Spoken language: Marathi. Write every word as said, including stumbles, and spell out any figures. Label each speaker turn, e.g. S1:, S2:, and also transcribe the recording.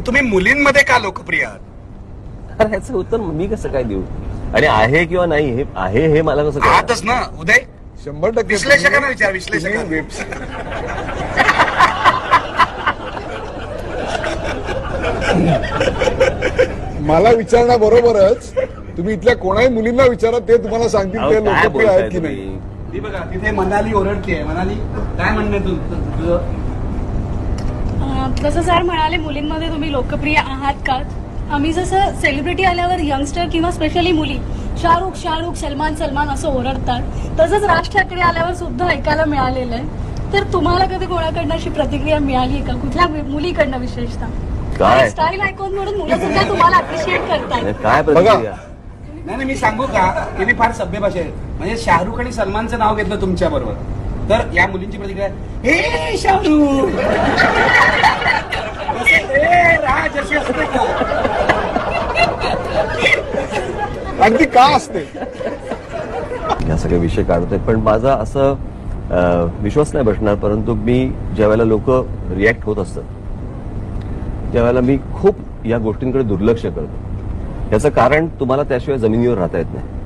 S1: तुम्ही मुलींमध्ये का लोकप्रिय आहात?
S2: अरे याचं उत्तर मी कसं काय देऊ? आणि आहे किंवा नाही हे आहे हे मला कसं कळणार?
S1: आहातच ना उदय.
S3: शंभर टक्के
S1: विश्लेषकांना विचार, विश्लेषकांना.
S3: तुम्ही वेब- मला विचारण्याबरोबरच तुम्ही इथल्या कोणाही मुलींना विचारा, ते तुम्हाला सांगतील
S2: अहो,
S3: ते
S2: काय
S3: लोकप्रिय आहेत
S2: बोलताय
S3: की नाही.
S2: तुम्ही?
S4: ती बघा तिथे मनाली ओरडते. मनाली काय म्हणणे तू तुझं?
S5: अं, जसं सर म्हणाले मुलींमध्ये तुम्ही लोकप्रिय आहात का? आम्ही जसं सेलिब्रिटी आल्यावर यंगस्टर किंवा स्पेशली मुली शाहरुख शाहरुख सलमान सलमान असं ओरडतात, तसंच राज ठाकरे आल्यावर सुद्धा ऐकायला मिळालेलं आहे. तर तुम्हाला कधी कोणाकडनं अशी प्रतिक्रिया मिळाली का, कुठल्या मुलीकडनं विशेषतः?
S2: काय
S5: स्टाईल आयकॉन म्हणून मुलं सुद्धा तुम्हाला अप्रिशिएट करतात.
S2: काय प्रतिक्रिया?
S4: नाही नाही मी सांगू का, हे मी फार सभ्य भाषा आहे. म्हणजे शाहरुख आणि सलमानचं नाव घेतलं तुमच्या बरोबर, तर या मुलींची प्रतिक्रिया, हे शाहरुख हे राज अशी असते का?
S3: अगदी का असते.
S2: या सगळे विषय काढतोय, पण माझा असं अं, विश्वास नाही बसणार. परंतु मी ज्या वेळेला लोक रिॲक्ट होत असतात त्यावेळेला मी खूप या गोष्टींकडे दुर्लक्ष करतो. याचं कारण तुम्हाला त्याशिवाय जमिनीवर राहता येत नाही.